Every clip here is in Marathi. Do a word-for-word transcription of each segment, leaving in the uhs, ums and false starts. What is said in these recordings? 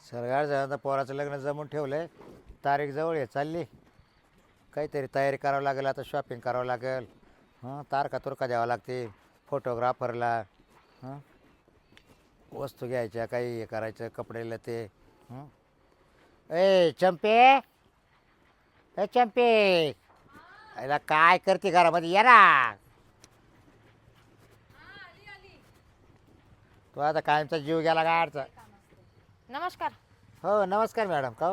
सरगार झालं तर पोराचं लग्न जमून ठेवलंय. तारीख जवळ आहे, चालली. काहीतरी तयारी करावं लागेल, आता शॉपिंग करावं लागेल. हां, तारखा तुरखा द्यावं लागते फोटोग्राफरला. हां, वस्तू घ्यायच्या, काही हे करायचं, कपडे लते. हं. ए चंपे, ए चंपे, याला काय करते घरामध्ये, ये ना. तो आता कायमचा जीव गेला गाडचा. नमस्कार. हो नमस्कार मॅडम. का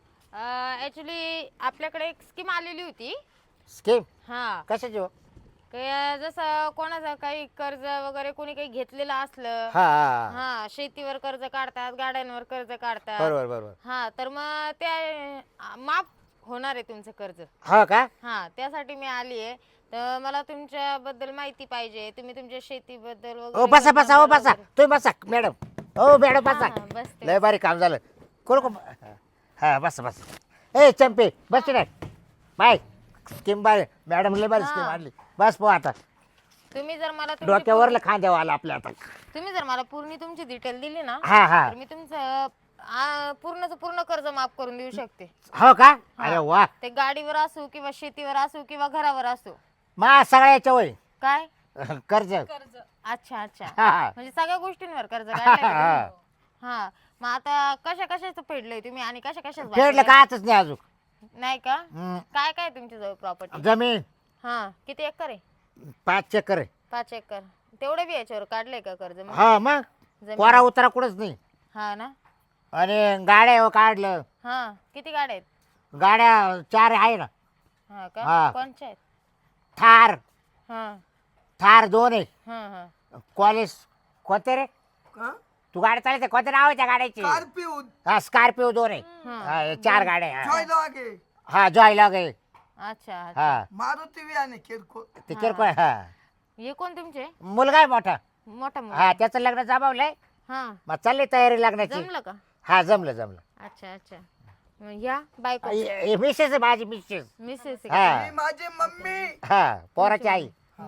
ॲक्च्युली आपल्याकडे एक स्कीम आलेली होती. स्कीम हां, कशाची हो? की जसं कोणाचं काही कर्ज वगैरे कोणी काही घेतलेलं असलं. हां हां. हां, शेतीवर कर्ज काढतात, गाड्यांवर कर्ज काढतात. बरोबर बरोबर. हां, तर मग ते अ, माफ होणार आहे तुमचं कर्ज. हो का? हां, त्यासाठी मी आली आहे. तर मला तुमच्याबद्दल माहिती पाहिजे. तुम्ही तुमच्या शेतीबद्दल ओ वगैरे बसा बसा, हो कर्जावर बसा, वगैरे- तुम्ही बसा मॅडम. हो मॅडम बसा. हां, बसते. लय भारी काम झालं. कोण कोण? हा बस बस. ए चंपे बस रे. बाय. स्कीम बाय मॅडम, लय भारी स्कीम हां. आणली. बस पो आता. तुम्ही जर मला तुमची डोक्यावरलं खांद्यावर आलं आपल्या आता. पूर्ण- तुम्ही जर मला पूर्ण तुमची डिटेल दिली ना, हा हा. तर मी तुमचं आ, पूर्णचं पूर्ण कर्ज माफ करून देऊ शकते. हो का? अरे वा. ते गाडीवर असो किंवा शेतीवर असो किंवा घरावर असो. मा सगळ्याच्या वय काय? कर्ज. अच्छा अच्छा. हा हा. म्हणजे सगळ्या गोष्टींवर कर्ज काढलंय का हा. तुम्ही? हा, मग आता कशा कशाचं फेडलंय तुम्ही आणि कशा कशाच फेडलं काच नाही अजून. नाही का? हम्म. काय काय तुमच्या जवळ प्रॉपर्टी? जमीन हा, किती एकर आहे? पाच चक्कर आहे. पाच एकर. तेवढे बी याच्यावर काढलंय का कर्ज मग? हा मग जमीन? कोरा उतारा कुठंच नाही. हा ना. आणि गाड्या काढलं. हा, किती गाड्या आहेत? गाड्या चार आहे ना. हा हा. का? कोणच्या आहेत? थार हा थार दोन आहे. हा हा. कॉलेज कोणते रे? का? तू गाडी चालवते, कोणते नाव आहे त्या गाड्याची? स्कॉर्पिओ हा स्कॉर्पिओ दोन आहे. हा. हा, हे चार गाड्या आहे. जॉय हा. लागे हा जॉयला गे. अच्छा अच्छा. हा मारुती वियाने किरकोळ ते किरकोळ आहे. हा हे कोण तुमचे? मुलगा आहे मोठा. मोठा हा मुलगा? त्याचं लग्न जमावलंय. हा, मग चालली तयारी लग्नाची. जमलं का? हा जमलं जमलं. अच्छा अच्छा. मग या बायको हे- हे मिसेस आहे माझी मिसेस. मिसेस आहे हा. का? मी माझी मम्मी हा पोराची आई.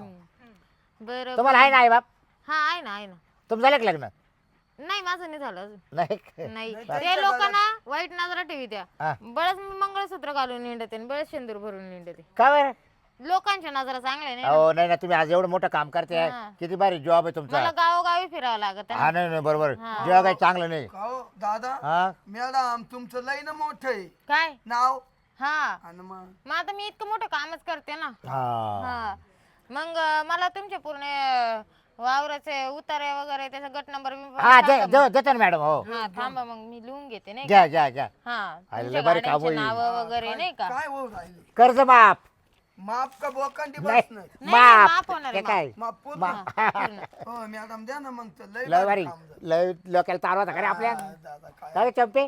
हम्म. बरं तुम्हाला आहे ना आई बाप? हा, आहे ना आहे ना. तुमचं झालं का लग्न? नाही, माझं नाही झालं अजून. नाही. नाही, नाही, ते त्यांच्या लोकांना वाईट नजरा ठेवी हा. द्या. बळच मंगळसूत्र घालून निंडते आणि बळच शेंदूर भरून निंडते. का बरं? लोकांच्या नजरा चांगल्या नाही ना. हो नाही ना, तुम्ही आज एवढं मोठं काम करते. हा. किती भारी जॉब आहे तुमचा. मला गावोगावी फिरावं लागत आहे हा ना. नाही नाही बरोबर. हा. जेव्हा काही चांगलं नाही. का हो दादा हा मॅडम तुमचं लई ना मोठं आहे काय? नाव हा, आणि मग मग आता मी इतकं मोठं कामच करते ना. हा हा, मग अं, मला तुमचे पूर्ण अं, वावराचे उतारे वगैरे त्याचा गट नंबर हा दे- दे- देतो ना मॅडम. हो हा, थांबा मग मी लिहून घेते नाही का? घ्या घ्या घ्या. हा, अरे, तुमच्या लय बरं काम गाड्यांची होईल. नावं वगैरे नाही का? काय हो राहिले कर्ज माफ. माप का बोकांडी नाही बस नाही नाही, माफ माफ होणार ते आहे, काय माप पूर्ण मा- पूर्ण. हो मॅडम द्या ना मग तर लई लय भारी भारी. काम झालं. लय लोकांना तारवा होता खरे आपल्या. हा, दादा काय काय रे चंपे?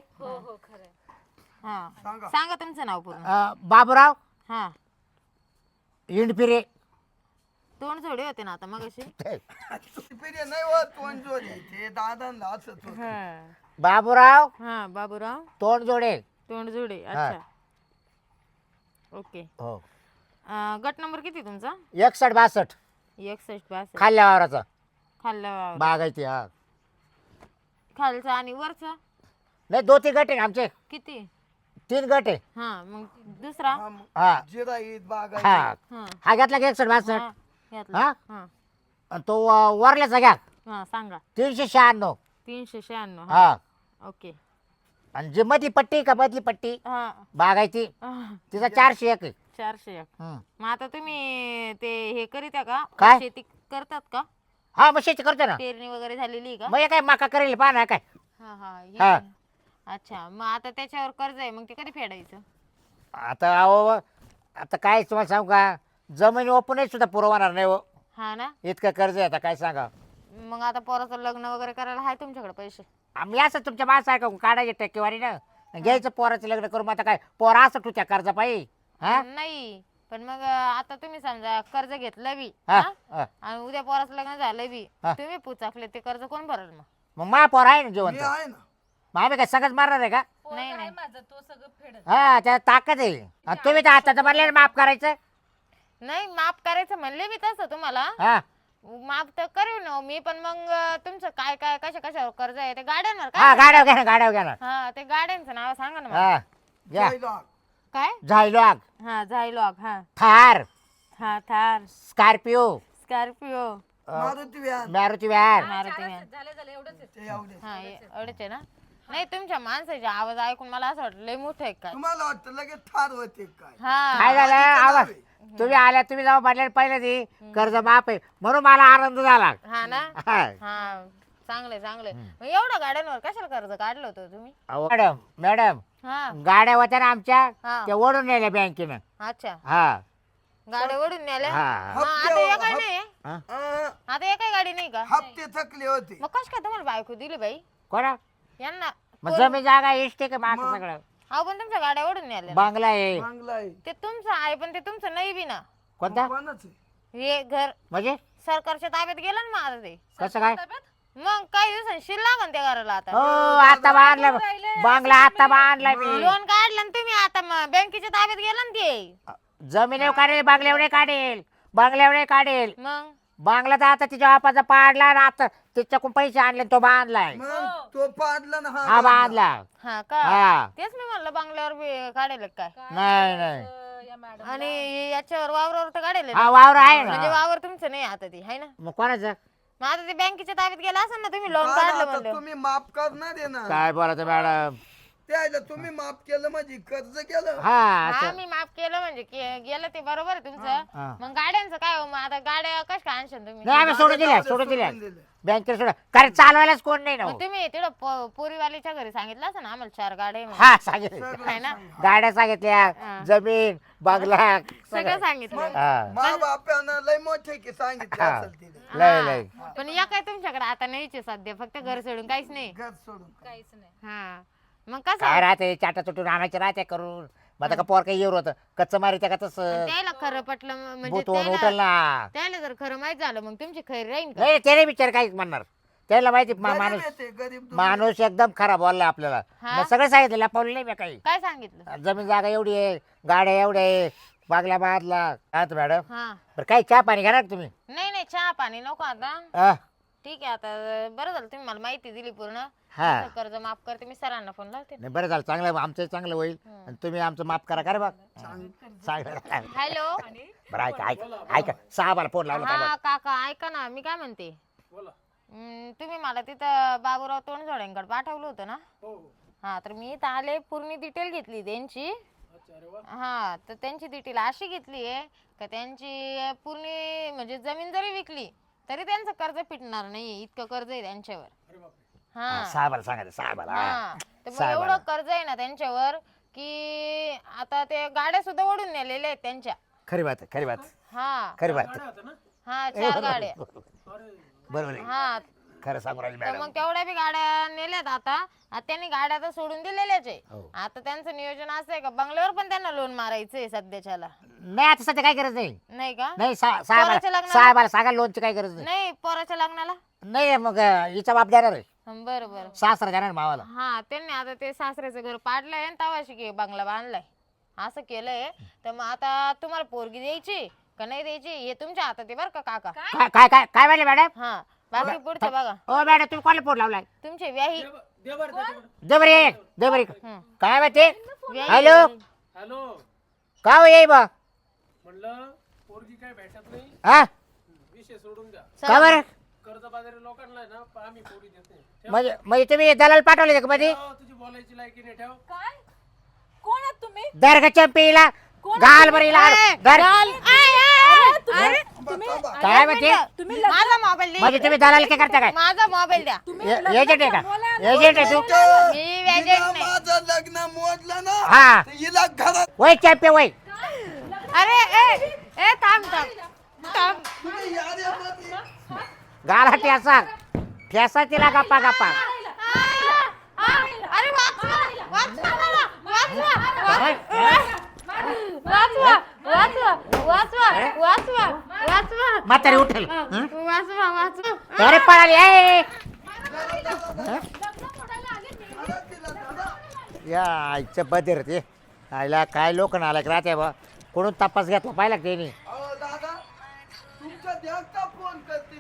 हा, सांगा सांगा तुमचं नाव पूर्ण. अं, बाबूराव हा, इंडपिरे. तोंड जोडे होते ना आता मग अशी. पिढी नाही होत तोंड जोडी ते दादांना असत होत हा बाबूराव हा, बाबूराव तोंड जोडे. तोंड जोडे. हा. अच्छा, ओके. हो अं, गट नंबर किती तुमचा? एकसठ बासष्ट एकसष्ट बासष्ट. खाल्ल्या वावराचा खाल्ला वावर. बाग आहे ती. हा खालचं आणि वरचं नाही दोन तीन गट आहे आमचे. किती? तीन गट आहे. हा, मग दुसरा? हा जिरा ईद बाग हा हा हा घेतला की एकसठ बासष्ट. हा, घेतला. हा? हा आणि तो अं, वरल्याचा घ्या हा, सांगा. तीनशे शहाण्णव. तीनशे शहाण्णव. हा ओके. आणि जी मधली पट्टी का मधली पट्टी हा बाग आहे ती हा, तिचा चारशे एक आहे. चारशे एक. हम्म. मग आता तुम्ही ते हे करीत्या का? काय? शेती करतात का? हा मग शेती करतो ना. पेरणी वगैरे झालेली आहे का? मग हे काय मका करेल पहा ना काय. हा हा, हे हा. पण. अच्छा, मग आता त्याच्यावर कर्ज आहे, मग ते कधी फेडायचं? आता अहो आता काय तुम्हाला सांगू का, जमीन ओपनच सुद्धा पुरवणार नाही हो. हा ना. इतकं कर्ज आहे आता काय सांगा. मग आता पोराचं लग्न वगैरे करायला आहे तुमच्याकडे पैसे? आम्ही असं तुमच्या माणसारखं काढायचे टक्केवारी ना घ्यायचं पोराचं लग्न करून. आता काय पोरा असं तू त्या कर्जा पाहिजे. हा नाही, पण मग आता तुम्ही समजा कर्ज घेतलं बी हा, हा? हा. आणि उद्या पोराचं लग्न झालं बी, हा. तुम्ही पुचाकले ते कर्ज कोण भरल मग? मग मा पोर आहे ना मी जेवण. आहे ना मग आम्ही काय सगळंच मारणार आहे का? नाही नाही हा त्या ताकद आहे. आणि तुम्ही तर हाताचं म्हणले ना माफ करायचं. नाही, माफ करायचं म्हणले मी तसं तुम्हाला, हा माफ तर करू ना मी, पण मग तुमचं काय काय कशा कशावर कर्ज आहे ते गाड्यांवर हा काय? गाड्या घ्या ना गाड्या घ्या ना हा ते गाड्यांचं नाव सांगा ना मला. हा घ्या पहिला. काय? झायलॉग हा झायलॉग, हा थार हा थार, स्कॉर्पिओ स्कॉर्पिओ, मारुती व्यान मारुती व्हॅन मारुती व्हॅन. ते एवढे. हा ए- एवढेच आहे ना. नाही तुमच्या माणसाचे आवाज ऐकून मला असं वाटलं लय मोठं आहे काय. तुम्हाला वाटतं लगेच ठार होते काय? हा काय झालं आधीचं आवाज नाव आहे. तुम्ही आल्या तुम्ही जाऊ म्हटलं पहिलं ती कर्ज माफ आहे म्हणून मला आनंद झाला हा ना. हा. हा चांगलंय चांगलंय. मग एवढं गाड्यांवर कशाला कर्ज काढलं होतं तुम्ही? अहो, मॅडम मॅडम हा गाड्या होत्या ना आमच्या हा. त्या ओढून नेल्या बँकेनं अच्छा, हा गाड्या ओढून नेल्या. हा मग आता एकाही नाही आहे? हा. अं, आता एकाही गाडी नाही का? हप्ते थकले होते. मग कश काय तुम्हाला बायको दिली बाई कोणा यांना? मग जमीन जागा इष्टे का माझं मग? सगळं अहो पण तुमच्या गाड्या ओढून नेल्या. बांगला आहे चांगला आहे. ते तुमचं आहे पण ते तुमचं नाही बी ना. कोणता कोणाचं आहे? हे घर म्हणजे सरकारच्या ताब्यात गेलं ना माझं ते. कसं काय मग काही दिवसांनी शिल लागन त्या घराला हो आता. आता बांधला बांगला आता बांधला मी लोन काढलं ना तुम्ही आता मग बँकेच्या ताब्यात गेलं ना ते. जमिनीवर काढेल बांगल्यावर काढेल बांगल्यावर काढेल मग बांगला तर आता तिच्या बापाचा पाडला ना आता तिच्याकडून पैसे आणले तो बांधलाय मग तो पाडला ना हा बांधला हा का? हा तेच मी म्हणलं बंगल्यावर बी काढेल काय. नाही नाही आणि याच्यावर वावरावर तर काढेल हा वावर आहे म्हणजे ना वावर तुमचं नाही आता ते आहे ना. मग कोणाचं मग आता ते बँकेच्या ताब्यात गेला असेल ना तुम्ही लोन काय काढलं आता म्हणलं. तुम्ही माफ करणार आहे ना? काय बोलायचं मॅडम त्याला तुम्ही माफ केलं म्हणजे कर्ज केलं. हा हा असं मी माफ केलं म्हणजे के- गेलं ते बरोबर आहे हा. तुमचं. मग गाड्यांचं काय हो? मग आता गाड्या कश काय आणशाल तुम्ही? नाही आम्ही सोडून दिल्या गाड्या सोडून दिल्या दिल्या. बँकेत सोडा कारण चालवायलाच कोण नाही ना मग हो. तुम्ही तिकडं प- पोरीवालीच्या घरी सांगितलं असं ना आम्हाला चार गाड्या आहे म्हणून. हा सांगितलं सगळं आहे ना? सांग. गाड्या सांगितल्या हा. जमीन बांगला सगळं सांगितलं. हा मा बापानं लय मोठे की सांगितले हा. असेल तिने. लय लय पण या काय तुमच्याकडे आता नाहीच आहे सध्या, फक्त घर सोडून काहीच नाही. घर सोडून हा मग कसं काय राहते चाटा चुटून आणायचे राहते करून मग आता का पोर काही येऊ होतं कच्चं मारित्या का तसं त्याला खरं पटलं म- म्हणजे बोतवून उठल त्याला ना त्याला जर खरं माहित झालं मग तुमची खैर राहील का? नाही त्याने विचार काहीच म्हणणार त्याला माहिती मा- गरीब माणूस येते, गरीब दुबळे. माणूस एकदम खराब बोलला आपल्याला हा? मग सगळं सांगितलं लपवलं नाही मी काही काय सांगितलं? जमीन जागा एवढी आहे गाड्या एवढ्या आहे बागल्या बादला काय तर मॅडम हा बरं काही चहा पाणी घ्या ना तुम्ही नाही नाही चहा पाणी नको आता. हा ठीक आहे आता बरं झालं तुम्ही मला माहिती दिली पूर्ण. हा. तुमचं कर्ज माफ करते मी सरांना फोन लावते. नाही बरं झालं चांगलं आमचं चांगलं होईल आणि तुम्ही आमचं माफ करा का रे बा चांगलं हॅलो बरं ऐका ऐका ऐका साहेबाला फोन लावला का हा काका ऐका ना मी काय म्हणते. हम्म, तुम्ही मला तिथं बाबूराव तोंडजोड्यांकडे पाठवलं होतं ना. हा तर मी इथं आले पूर्ण डिटेल घेतली त्यांची. हा तर त्यांची डिटेल अशी घेतली आहे का त्यांची पूर्ण म्हणजे जमीन जरी विकली तरी त्यांचं कर्ज फिटणार नाही इतकं कर्ज आहे त्यांच्यावर. हा साहेबाला सांगायचं साहेबाला हा तर मग साहेबाला. एवढं कर्ज आहे ना त्यांच्यावर की आता ते गाड्या सुद्धा ओढून नेलेल्या आहेत त्यांच्या. खरी बात आहे, खरी बात हा खरी बात हा चार गाड्या. बरोबर आहे हा खरं सांगू राहिली तर मॅडम मग तेवढ्या बी गाड्या नेल्यात आता. आता त्यांनी गाड्या तर सोडून दिलेल्याच आहे. हो. आता त्यांचं नियोजन असं आहे का बंगल्यावर पण त्यांना लोन मारायचंय सध्याच्याला. नाही आता सध्या काय गरज नाही नाही का? नाही सा- पोराच्या साहेबाला लग्नाला? साहेबाला सांगा लोनची काही गरज नाही नाही पोराच्या लग्नाला. नाही मग अं, हिचा बाप देणार आहे हं, बरं बरं. सासरा देणार मावाला हा त्यांनी आता ते सासऱ्याचं घर पाडलंय आणि तवाशी की बंगला बांधलाय असं केलंय. तर मग आता तुम्हाला पोरगी द्यायची का नाही द्यायची हे तुमच्या हातात आहे बरं का काका. काय काय काय काय म्हणले मॅडम हा बाकी पुढचं बघा. हो मॅडम तुम्ही कोणाला फोन लावलाय तुमचे व्याही देबरी देबरी हं. काय माहिती व्याही- हॅलो हॅलो का हो येई बा म्हणलं पोरगी काय भेटत नाही हा विषय सोडून द्या. का बरं कर्ज बाजारी लोकांना आहे ना प- आम्ही पोरी देत नाही ठेव. म्हणजे म्हणजे तुम्ही दलाल पाठवले का मध्ये ठेव, तुझी बोलायची लायकी नाही ठेव. काय कोण आहात तुम्ही दर्ग चंपीला गाल बरीला दर अरे काय म्हणते तुम्ही माझा मोबाईल दे. म्हणजे तुम्ही दलाल काय करता काय माझा मोबाईल द्या. ए- एजंट आहे का एजंट आहे तू मी हिला एजंट नाही. माझं लग्न मोडलं ना हा तर हिला घरात वय चॅम्पे वय अरे ए ए थांब थांब थांब. तुम्ही याद्यामध्ये गाला ठेसा ठेसा तिला गप्पा गप्पा अरे वाचवा वाचवा मला, वाचवा काय? वाचवा वाचवा वाचवा वाचवा वाचवा म्हातारी उठेल हं? वाचवा वाचवा. अरे पळाली ए या आईच्या बदर ते आईला काय लोक नालायक राहते बा कोणून तपास घेतला पाहिला का त्यांनी अहो दादा तुमच्या द्याचा फोन करते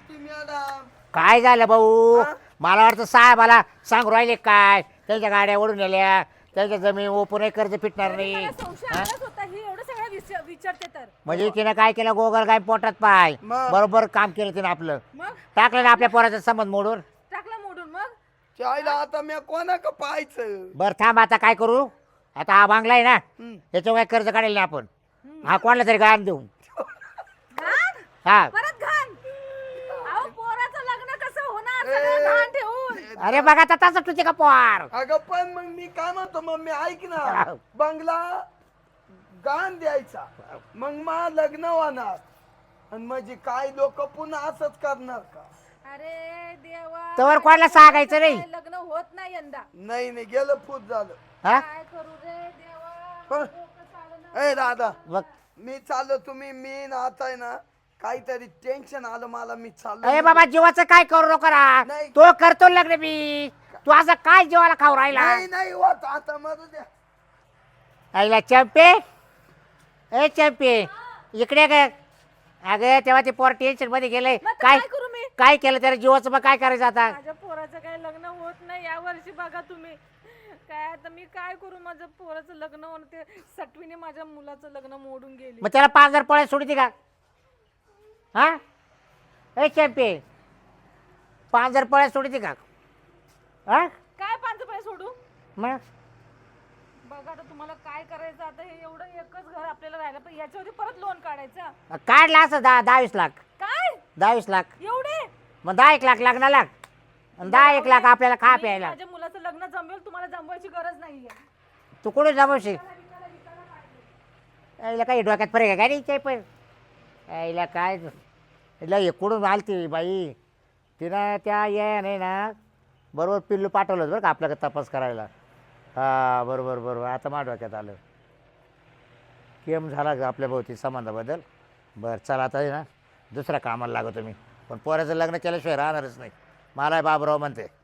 मॅडम काय झालं भाऊ हा? मला वाटतं साहेबाला सांगू राहिले काय त्यांच्या गाड्या ओढून नेल्या त्यांच्या जमीन ओपूनही कर्ज फिटणार तरी नाही मला संशय हा? आलाच होता ही एवढं सगळं विच- विचारते तर म्हणजे तिनं काय केलं गोगल काय पोटात पाय मग? बरोबर काम केलं तिनं आपलं मग टाकलं ना आपल्या पोराचा संबंध मोडून टाकला मोडून मग चायला आता मी कोणा का पाहायचं बरं थांब आता काय करू आता हा बांगला आहे ना हम्म. याच्यावर काय कर्ज काढेल ना आपण हा कोणाला तरी गाण देऊ घाण हा परत घाण अहो पोराचं लग्न कसं होणार सगळं घाण ठेवून अरे बघा आता तसं तुझे का पोर अगं पण मग मी काय म्हणतो मग मी ऐक ना बंगला गाण द्यायचा मग मा लग्न होणार आणि म्हणजे काय लोक पुन्हा असंच करणार का अरे देवा तोवर कोणाला सांगायचं नाही. काय लग्न होत नाही यंदा नाही नाही गेलं फूट झालं हा काय करू रे देवा हं? डोकं चालना. ए दादा बघ मी चाललो तुम्ही मी ना आता आहे ना काहीतरी टेन्शन आलं मला मी अरे चाललो बाबा जीवाचं काय करू नको ना नाही. तो करतो लग्न मी तू असं काय जीवाला खाऊ राहिला नाही नाही होत आता मरू द्या आईला चंपे ए चंपे इकडे ग अगं तेव्हा ते पोर टेन्शन मध्ये गेलंय मग आता काय काय करू मी काय केलं त्याला जीवाचं मग काय करायचं आता माझ्या पोराचं काय लग्न होत नाही या वर्षी बघा तुम्ही काय आता मी काय करू माझ्या पोराचं लग्न होणं ते सटवीने माझ्या मुलाचं लग्न मोडून गेली मग त्याला पाच हजार पळ्या सोडती का हा ए चंपे पाच हजार पळ्या सोडती का हा काय पाच रुपये सोडू मग बघा आता तुम्हाला काय करायचं आता हे एवढं एकच घर आपल्याला राहिलं पण याच्यावरती परत लोन काढायचं काढला असं दहा दहावीस लाख काय दहावीस लाख एवढे मग दहा एक लाख लग्नाला आणि दहा एक लाख आपल्याला खा मी प्यायला माझ्या मुलाचं लग्न जमवेल तुम्हाला जमवायची गरज नाहीये तू कुठे जमवशील यायला काही डोक्यात फरक आहे काय नाही इथे पण यायला काय याला इकडून आलती बाई तिनं त्या या नाही ना बरोबर पिल्लू पाठवलं होतं बरं का आपल्याकडे तपास करायला हा बरोबर बरोबर आता माझ्या डोक्यात आलं केम झाला का आपल्या भोवती संबंधाबद्दल बरं चला आता आहे ना दुसऱ्या कामाला लागतो मी पण पोराचं लग्न केल्याशिवाय राहणारच नाही मला बाबराव म्हणते